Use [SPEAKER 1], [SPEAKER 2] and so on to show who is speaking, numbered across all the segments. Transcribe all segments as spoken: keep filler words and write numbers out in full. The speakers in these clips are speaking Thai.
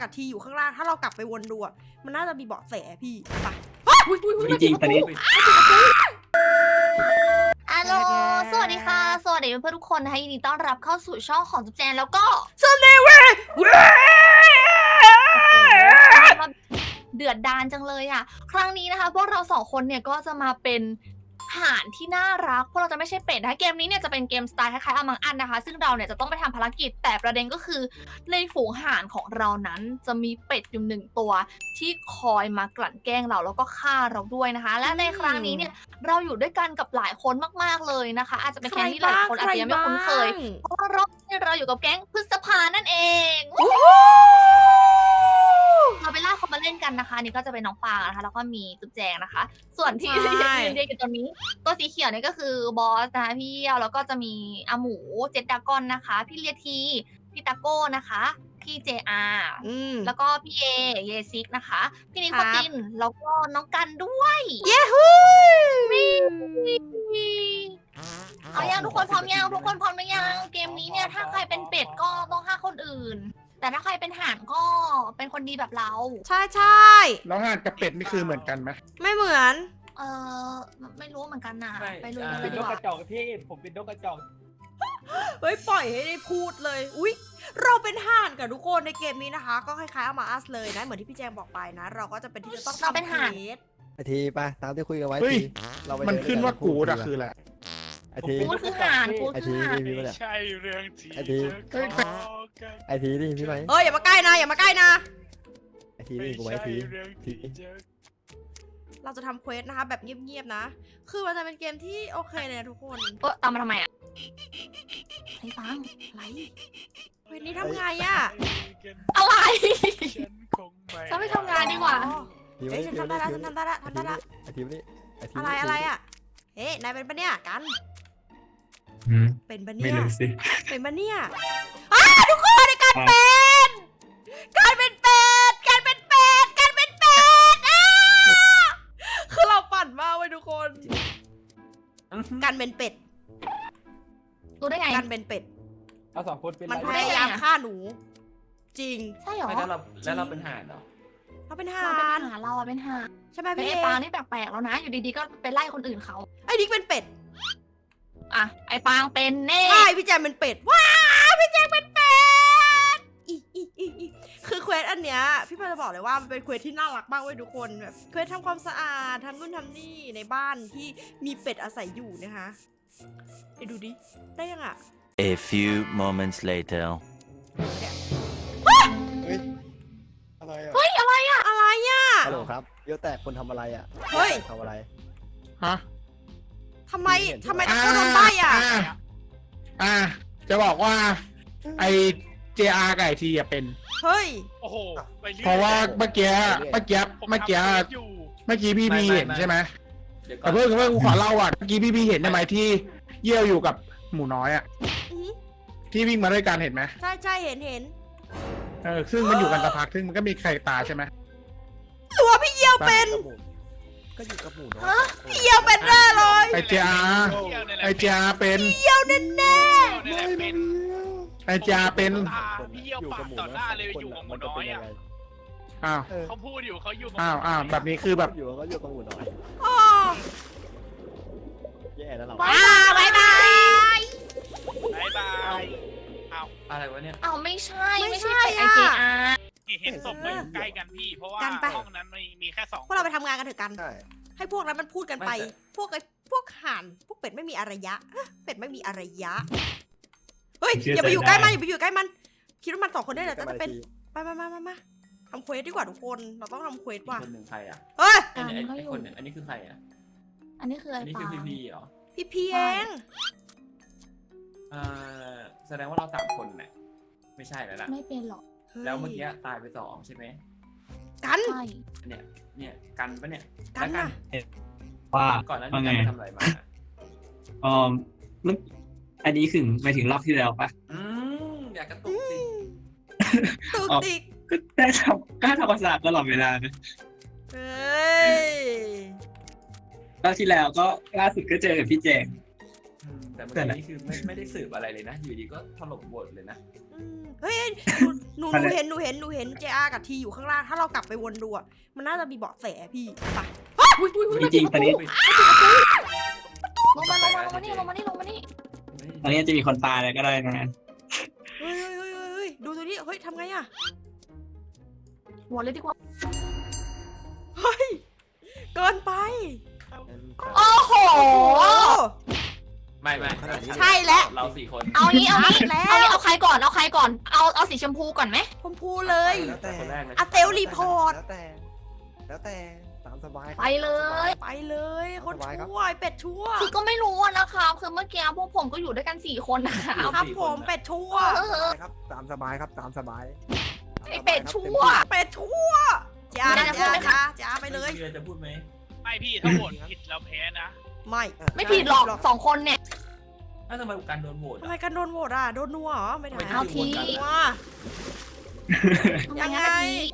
[SPEAKER 1] กับทีอยู่ข้างล่างถ้าเรากลับไปวนดูอ่ะมันน่าจะมีเบาะแสพี่ไป
[SPEAKER 2] จริงๆตอนนี้
[SPEAKER 3] ฮัลโหลสวัสดีค่ะสวัสดีเพื่อนๆทุกคนนะคะยินดีต้อนรับเข้าสู่ช่องของจุ๊บแจนแล้วก็
[SPEAKER 1] ซันเดย์เว้ย
[SPEAKER 3] เดือดดานจังเลยอ่ะครั้งนี้นะคะพวกเราสองคนเนี่ยก็จะมาเป็นห่านที่น่ารักพวกเราจะไม่ใช่เป็ดนะคะเกมนี้เนี่ยจะเป็นเกมสไตล์คล้ายๆอมังอันนะคะซึ่งเราเนี่ยจะต้องไปทำภารกิจแต่ประเด็นก็คือในฝูงห่านของเรานั้นจะมีเป็ดอยู่หนึ่งตัวที่คอยมากลั่นแกล้งเราแล้วก็ฆ่าเราด้วยนะคะและในครั้งนี้เนี่ยเราอยู่ด้วยกันกับหลายคนมากๆเลยนะคะอาจจะเป็นแก๊งที่หลายคนอาจจะยังไม่คุ้นเคยเพราะว่ารอบนี้เราอยู่กับแก๊งพฤษภานั่นเองเราไปล่าเขามาเล่นกันนะคะนี่ก็จะเป็นน้องปางนะคะแล้วก็มีตุ๊กแจงนะคะส่วนที่ยืนเรียกอยู่ตรงนี้ตัวสีเขียวเนี่ยก็คือบอสนะคะพี่เยี่ยวแล้วก็จะมีอาหมูเจ็ดดากอนนะคะพี่เลียทีพี่ตาโก้นะคะพี่เจอาร์แล้วก็พี่เอเยซิกนะคะพี่นิโคตินแล้วก็น้องกันด้วย
[SPEAKER 1] เย้ฮู้
[SPEAKER 3] เอายังทุกคนพร้อมยังทุกคนพร้อมหรือยังเกมนี้เนี่ยถ้าใครเป็นเป็ดก็ต้องฆ่าคนอื่นแต่ถ้าใครเป็นห่านก็เป็นคนดีแบบเรา
[SPEAKER 1] ใช่ใช่
[SPEAKER 4] แล้วห่านกับเป็ดนี่คือเหมือนกันไหม
[SPEAKER 1] ไม่เหมือน
[SPEAKER 3] เออไม่รู้เหมือนกันนะไปลุยกันเล
[SPEAKER 2] เป็
[SPEAKER 3] ย
[SPEAKER 2] น
[SPEAKER 3] ดี
[SPEAKER 2] นก
[SPEAKER 3] ก
[SPEAKER 2] ก
[SPEAKER 3] ว่า
[SPEAKER 2] ระจอกพี่ผมเป็นนกกระจอก
[SPEAKER 1] เฮ้ยปล่อยให้ได้พูดเลยอุ๊ยเราเป็นห่านกับทุกคนในเกมนี้นะคะก็คล้ายๆเอามาอัสเลยนะเหมือนที่พี่แจงบอกไปนะเราก็จะเป็นที่จะต้องทำเป็นห่าน
[SPEAKER 5] ไอทีไปตามที่คุยกันไว้ที
[SPEAKER 4] เรามันขึ้นว่ากูดอะคือแหละ
[SPEAKER 5] ไอที
[SPEAKER 3] กูคือห่านกูคือห่าน
[SPEAKER 5] ไม่
[SPEAKER 6] ใช่เรื่องจริง
[SPEAKER 5] ไอทีไอทีนี่พี่ไหม
[SPEAKER 1] เอ้ยอย่ามาใกล้นะอย่ามาใกล้นะ
[SPEAKER 5] ไอทีนี่กูไว้ทีที
[SPEAKER 1] เราจะทำเควสนะคะแบบเงียบๆนะคือมันจะเป็นเกมที่โอเคเลยทุกคน
[SPEAKER 3] เออตามมาทำไมอ่ะไอ้ฟัง
[SPEAKER 1] อะไรเควสนี้ทำไงอ่ะ
[SPEAKER 3] อะไรฉันไม่ทำงานดีกว่า
[SPEAKER 1] เฮ้ยฉันทำได้แล้วฉันทำได้แล้วทำได้แล้ว
[SPEAKER 5] ไอทีนี่
[SPEAKER 1] อะไรอะไรอ่ะเฮ้ยนายเป็นปะเนี่ยกันเป็นปะเนี่ย
[SPEAKER 6] ไม่รู้สิ
[SPEAKER 1] เป็นปะเนี่ยอ้าทุกคนในการเป็นการเป็นเป็ดการเป็นเป็ดการเป็นเป็ดอ้าคือเราปั่นมากเว้ยทุกคนการเป็นเป็ด
[SPEAKER 3] รู้ได้ไง
[SPEAKER 1] การเป็นเป็ด
[SPEAKER 2] เราสองคนเป็น
[SPEAKER 1] มันพยายามฆ่าหนูจริง
[SPEAKER 3] ใช่หรอ
[SPEAKER 2] แล้วเราแล้วเราเป็นห่านเหรอ
[SPEAKER 1] เราเป็นห่า
[SPEAKER 3] เราเป็น
[SPEAKER 1] น
[SPEAKER 3] ห่านเราอะเป็นห่าน
[SPEAKER 1] ใช่ไหมพี่
[SPEAKER 3] ไอ้ปางนี่แปลกๆแล้วนะอยู่ดีๆก็ไปไล่คนอื่นเขา
[SPEAKER 1] ไอ้ดิ๊กเป็นเป็ด
[SPEAKER 3] อ่ะไอ้ปางเป็นเน่
[SPEAKER 1] ใช่พี่แจงเป็นเป็ดว้าพี่แจงเป็นเป็ดอีอีอีอีคือเควสอันเนี้ยพี่ปาจะบอกเลยว่ามันเป็นเควสที่น่ารักมากเว้ยทุกคนแบบเควสทำความสะอาดทำนู่นทำนี่ในบ้านที่มีเป็ดอาศัยอยู่นะคะไปดูดิได้ยังอ่ะ
[SPEAKER 7] A few moments later
[SPEAKER 5] เฮ้ยอะไรอ่ะ
[SPEAKER 3] เฮ้ยอะไรอ่ะ
[SPEAKER 1] อะไรอ่ะ
[SPEAKER 5] ฮัลโหลครับเยอะแต่คนทำอะไรอ่ะ
[SPEAKER 1] เฮ้ย
[SPEAKER 5] ทำอะไร
[SPEAKER 4] ฮะ
[SPEAKER 1] ทำไมทำไมต้องโดนใบ้อ่ะ
[SPEAKER 4] อ่าจะบอกว่าไอเจอาร์ไก่ทีอะเป็น
[SPEAKER 1] เฮ้ย
[SPEAKER 6] โอ้โห
[SPEAKER 4] เพราะว่าเมื่อกี้เมื่อกี้เมื่อกี้เมื่อกี้พี่พีเห็นใช่ไหมแต่เพิ่งเพิ่งขอเล่าอ่ะเมื่อกี้พี่พีเห็นใช่ไหมที่เยี่ยวอยู่กับหมูน้อยอ่ะที่วิ่งมาด้วยกันเห็นไหม
[SPEAKER 1] ใช่ใช่เห็นเห็น
[SPEAKER 4] เออซึ่งมันอยู่กันสักพักซึ่งมันก็มีใครตาใช่ไหม
[SPEAKER 1] ตัวพี่เยี่ยวเป็น
[SPEAKER 5] ก็อยู่กับหมูน้อย
[SPEAKER 1] พี่เยี่ยวเป็นแน่เลย
[SPEAKER 4] ไอเจอาไอเจอาเป็น
[SPEAKER 1] พี่เยี่ยวแน่แน่
[SPEAKER 4] ไอเจอาเป็น
[SPEAKER 6] พี่เยี่ยวปากต่อหน้าเลยอยู่กับหมูน้อยอ่ะ
[SPEAKER 4] อ้าว
[SPEAKER 6] เขาพูดอยู่เขาอยู่
[SPEAKER 4] อ้าวอ้าวแบบนี้คือแบบ
[SPEAKER 5] อยู่ก็อยู่กับหมูน้อย
[SPEAKER 1] อ๋อ
[SPEAKER 5] แย่แล้วเรา
[SPEAKER 1] บายบาย
[SPEAKER 6] บายบาย
[SPEAKER 2] เอาอะไรวะเนี่ย
[SPEAKER 3] เอาไม่ใช่ไม่ใช่ไอเจอาร์
[SPEAKER 6] เห็นศพมาอยู่ใกล้กันพี่เพราะว่าห้องนั้นมีแค่สอง
[SPEAKER 1] พวกเราไปทำงานกันเถอะกันให้พวกนั้นมันพูดกันไปพวกไอ้พวกห่านพวกเป็ดไม่มีอารยะเป็ดไม่มีอารยะเฮ้ยอย่าไปอยู่ใกล้มันอย่าไปอยู่ใกล้มันคิดว่ามันสองคนได้เหรอจะเป็นไปมามามามาทำเควสดีกว่าทุกคนเราต้องทำเควสว่ะ
[SPEAKER 2] คนหนึ่งใครอ่ะ
[SPEAKER 1] เฮ้ย
[SPEAKER 2] ไอ้คนหนึ่งอันนี้คือใครอ่ะ
[SPEAKER 3] อันนี้คือไอ้ปา
[SPEAKER 2] อันนี้คือพีพีเหรอ
[SPEAKER 1] พี่พีเอง
[SPEAKER 2] อ่าแสดงว่าเราสามคนแหละไม่ใช่แล้วล่ะ
[SPEAKER 3] ไม่เป็นหรอก
[SPEAKER 2] แล้วเมื่อกี้ตายไปสองใช่ไหม
[SPEAKER 1] กัน
[SPEAKER 2] เนี่ยเนี่ยกันปะเนี่ย
[SPEAKER 1] กันนะ
[SPEAKER 8] ว่า
[SPEAKER 2] ก่อนนั้นกันทำอะไรมา
[SPEAKER 8] อ๋ออันนี้ถึงไปถึงรอบที่แล้วปะ
[SPEAKER 2] อืมอยากกระตุกสิ
[SPEAKER 1] ตุกติก
[SPEAKER 8] ก็ได้ทำก็ทำภาษาตลอดเวลานะ
[SPEAKER 1] เฮ้ย
[SPEAKER 8] รอบที่แล้วก็ล่าสุดก็เจอกับพี่แจง
[SPEAKER 2] อืมแต่เมื่อกี้นี่คือไม่ไม่ได้สืบอะไรเลยนะ อยู่ดีก็ถล่มบทเลยนะ
[SPEAKER 1] อืมเฮ้ยหนูหนูหนูเห็นหนูเห็นหนูเห็นเจอากับทีอยู่ข้างล่างถ้าเรากลับไปวนดูอะมันน่าจะมีเบาะแสพี่ไป
[SPEAKER 8] จริงๆตอนนี้
[SPEAKER 3] ลงมาลงมาลงมานี่ลงมานี่ลงมานี่
[SPEAKER 8] ตอนนี้จะมีคนตายอะไรก็ได้นะ
[SPEAKER 1] เฮ้ยเฮ้ยเฮ้ยเฮ้ยดูตัวนี้เฮ้ยทำไงอะ
[SPEAKER 3] หัวเลยดีกว่า
[SPEAKER 1] เฮ้ยเกินไป
[SPEAKER 3] โอ้โห
[SPEAKER 1] โอ้โห
[SPEAKER 2] ไม่ไม่
[SPEAKER 5] ขนาดนี้
[SPEAKER 1] ใช่แล้ว
[SPEAKER 2] เราสี่คน
[SPEAKER 3] เอางี้เอางี้
[SPEAKER 1] แล้ว
[SPEAKER 3] เอางี้เอาใครก่อนเอาใครก่อนเอาเอาสีชมพูก่อนไหม
[SPEAKER 1] ผมพูเลย
[SPEAKER 5] แล้วแต่
[SPEAKER 2] คนแรกเลย
[SPEAKER 1] อะเตลรีพอร์ต
[SPEAKER 5] แล้วแต่ แล้วแต่ตามสบายครับ
[SPEAKER 3] ไปเลย
[SPEAKER 1] ไปเลยคนชั่วไอ้เป็ดชั่ว
[SPEAKER 3] คือก็ไม่รู้อะนะคะคือเมื่อกี้พวกผมก็อยู่ด้วยกันสี่คนนะคะ
[SPEAKER 1] ครับผมเป็ดชั่ว
[SPEAKER 3] เออ
[SPEAKER 5] ครับตามสบายครับตามสบาย
[SPEAKER 3] ไอ้เป็ดชั่ว
[SPEAKER 1] เป็ดชั่วจ้า
[SPEAKER 3] มีอะไรจะพู
[SPEAKER 1] จ้า
[SPEAKER 3] ดไหมคะ
[SPEAKER 1] จ้าจ้าไปเลย
[SPEAKER 2] มีอะไรจะพูดไหม
[SPEAKER 6] ไม่พี่ถ้าโหวตผิดเราแพ้นะ
[SPEAKER 1] ไม่
[SPEAKER 3] ไม่ผิดหรอกสองคนเนี่ย
[SPEAKER 2] อ้าวทำไมการโดนโหวต
[SPEAKER 1] ทำไมกันโดนโหวตอ่ะโดนนัวเหรอไม่ได้
[SPEAKER 3] เอาที
[SPEAKER 1] ว่า ยังไง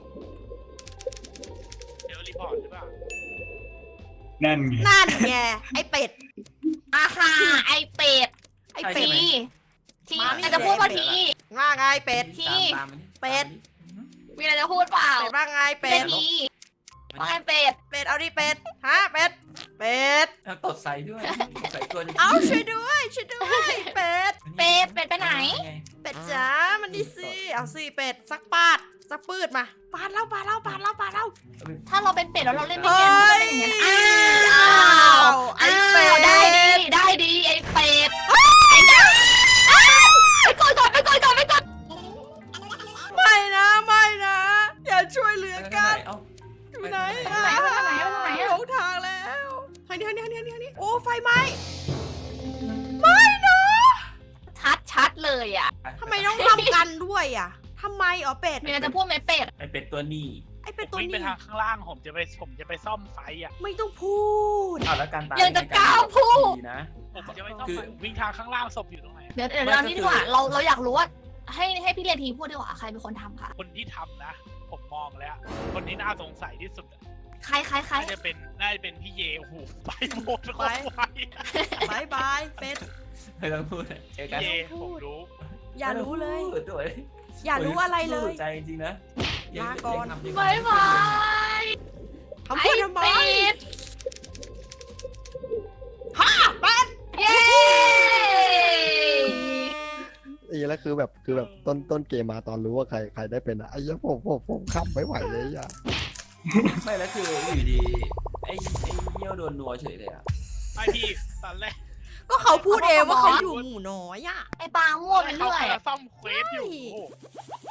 [SPEAKER 6] เดี๋ยวรีพอร์ตหรือเปล่า
[SPEAKER 8] นั่นไง
[SPEAKER 1] นั่นไงไอ้เป็ด
[SPEAKER 3] อาฮาไอเป็ด
[SPEAKER 1] ไอ้
[SPEAKER 3] ที
[SPEAKER 1] เป็ด
[SPEAKER 3] ที
[SPEAKER 1] มานี่
[SPEAKER 3] แต่จะพูดว่าที
[SPEAKER 1] ว่าไงเป็ด
[SPEAKER 3] ที่
[SPEAKER 2] ตามตามมันดิ
[SPEAKER 1] เป็ด
[SPEAKER 3] มีอะไรจะพูดเปล่า
[SPEAKER 1] เป็ดว่าไงเป็
[SPEAKER 3] เป็
[SPEAKER 1] ด
[SPEAKER 3] ดทีว่าไงเป็ด
[SPEAKER 1] เป็ดเอาดิเป็ดฮะเป็ดเป็ด
[SPEAKER 2] แล้วตดใส่ด้วยใส่ตัวจะ
[SPEAKER 1] เอาช่วยด้วยช่วยด้วยเป็ด
[SPEAKER 3] เป็ดเป็ดไปไหน
[SPEAKER 1] เป็ดจ๋ามันนี่สิเอาสิเป็ดสักปาดสักปืดมาปาดเล่าปาดเล่าปาดเล่าปาดเล่า
[SPEAKER 3] ถ้าเราเป็นเป็ดแล้วเราเล่นไม่
[SPEAKER 1] เฮ้
[SPEAKER 3] เก่งมันจะ
[SPEAKER 1] ย
[SPEAKER 3] เป็นอย่างนั้นอ้าว
[SPEAKER 1] ไอ้
[SPEAKER 3] อ้า
[SPEAKER 1] เป็
[SPEAKER 3] ว
[SPEAKER 1] ด
[SPEAKER 3] ได้ดีได้ดีไอ้เป็ดไอ้เป็ดไปก่อนก่อนไปก่อนก่อนไปก่อน
[SPEAKER 1] ไม่นะไม่นะ อย่าช่วยเหลือกัน
[SPEAKER 2] เอ้า
[SPEAKER 1] อยู่ไหน
[SPEAKER 3] ไปทางไหนไปทางไหนไปทางไหน
[SPEAKER 1] หลงทางแล้วทางนี้ทางนี้ทางนี้ทางนี้โอ้ไฟไหม้ไม่นะ
[SPEAKER 3] ชัดชัดเลยอ่ะ
[SPEAKER 1] ทำไมต้องทำกันด้วยอ่ะทำไมอ๋อเป็ด
[SPEAKER 3] มีอะไรจะพูดไหมเป็ด
[SPEAKER 2] ไอเป็ดตัวนี้
[SPEAKER 1] ไอเป็ด
[SPEAKER 6] ผ
[SPEAKER 1] ตัว
[SPEAKER 6] มวิ่งไป
[SPEAKER 1] นี้
[SPEAKER 6] ทางข้างล่างผมจะไปผมจะไปซ่อมไฟอ่ะ
[SPEAKER 1] ไม่ต้องพูด
[SPEAKER 2] อ้าวแล้วการตาย
[SPEAKER 3] ยังจะกล้าพูด
[SPEAKER 2] ดีนะ
[SPEAKER 6] ผมจะไปซ่อม
[SPEAKER 2] คือ
[SPEAKER 6] ไฟวิ่งทางข้างล่างศพอยู่ตรงไหน
[SPEAKER 3] เดี๋ยวเดี๋ยวเรานี่ดีกว่าเราเราอยากรู้ว่าให้ให้พี่เรียนทีพูดดีกว่าใครเป็นคนทำค่ะ
[SPEAKER 6] คนที่ทำนะ ผมมองแล้ว คนที่น่าสงสัยที่สุดอะ
[SPEAKER 3] ใครใครใคร
[SPEAKER 6] น่าจะเป็นน่าจะเป็นพี่เยโอ้โหไปหมดโคตรไว
[SPEAKER 1] บายบายเป็ด
[SPEAKER 2] ไม่ต้องพูดเจอกัน
[SPEAKER 6] พี่เยผมรู้
[SPEAKER 1] อย่ารู้เลย
[SPEAKER 2] พูดด้วย
[SPEAKER 1] อย่ารู้อะไรเลย
[SPEAKER 2] สู้ใจจริงๆนะ
[SPEAKER 1] ลาก่อน
[SPEAKER 2] ยังทำยัง
[SPEAKER 3] บายบาย
[SPEAKER 1] ทำพูดทำไม
[SPEAKER 3] เป็ด
[SPEAKER 1] ฮ่าเป็ด
[SPEAKER 3] เย้
[SPEAKER 5] ไอ้แล้วคือแบบคือแบบต้นต้นเกมมาตอนรู้ว่าใครใครได้เป็นอะไอ้เหี้ยผมผมผมขับไม่ไหวเลยอ่ะ
[SPEAKER 2] ไม่แล้วคืออยู่ดีไอ้ไอ้เยี่ยวโดนนัวเฉยเลยอ่ะ
[SPEAKER 6] ไอพี่ตอนแรก
[SPEAKER 1] ก็เขาพูดเองว่าเขาอยู่หมู่น้อยอ่ะ
[SPEAKER 3] ไอ้ปางมั่วไป
[SPEAKER 6] เขา
[SPEAKER 3] เรื่อย
[SPEAKER 6] กำลังซ่อมเควสอยู่โอ้โห